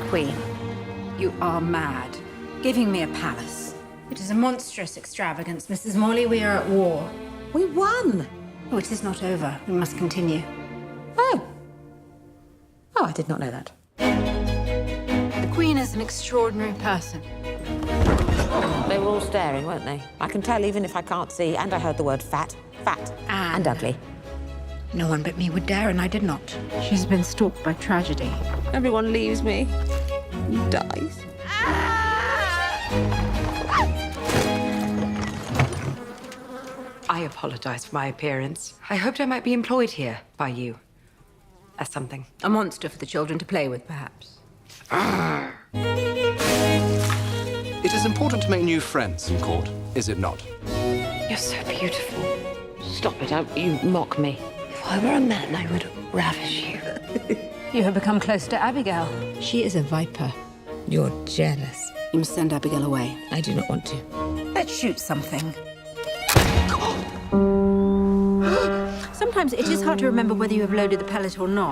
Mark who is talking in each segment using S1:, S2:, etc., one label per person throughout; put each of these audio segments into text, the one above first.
S1: Queen.
S2: You are mad. Giving me a palace. It is a monstrous extravagance, Mrs. Morley. We are at war.
S1: We won!
S2: Oh, it is not over. We must continue.
S1: Oh. Oh, I did not know that.
S2: The Queen is an extraordinary person.
S1: They were all staring, weren't they? I can tell even if I can't see, and I heard the word fat. Fat. And ugly.
S2: No one but me would dare, and I did not. She's been stalked by tragedy.
S1: Everyone leaves me. Dies.
S3: I apologize for my appearance. I hoped I might be employed here by you. As something.
S2: A monster for the children to play with, perhaps.
S4: It is important to make new friends in court, is it not?
S3: You're so beautiful.
S1: Stop it, you mock me.
S3: If I were a man, I would ravish you.
S2: You have become close to Abigail. She is a viper.
S1: You're jealous.
S2: You must send Abigail away.
S1: I do not want to.
S2: Let's shoot something. Sometimes it is hard to remember whether you have loaded the pellet or not.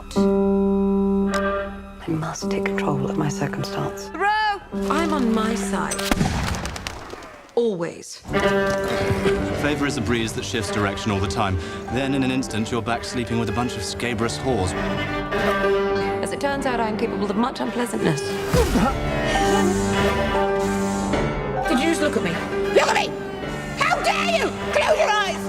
S3: I must take control of my circumstance.
S2: Hurrah!
S3: I'm on my side. Always.
S5: Favor is a breeze that shifts direction all the time. Then, in an instant, you're back sleeping with a bunch of scabrous whores.
S3: As it turns out, I'm capable of much unpleasantness.
S1: Did you just look at me? Look at me! How dare you! Close your eyes!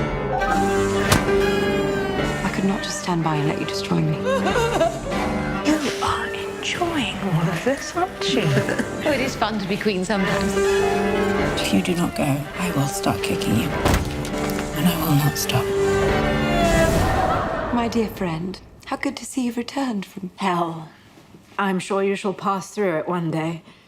S3: I could not just stand by and let you destroy me.
S2: You are enjoying all of this, aren't you?
S1: Oh, it is fun to be queen sometimes.
S2: If you do not go, I will start kicking you. And I will not stop.
S3: My dear friend, how good to see you've returned from hell.
S2: I'm sure you shall pass through it one day.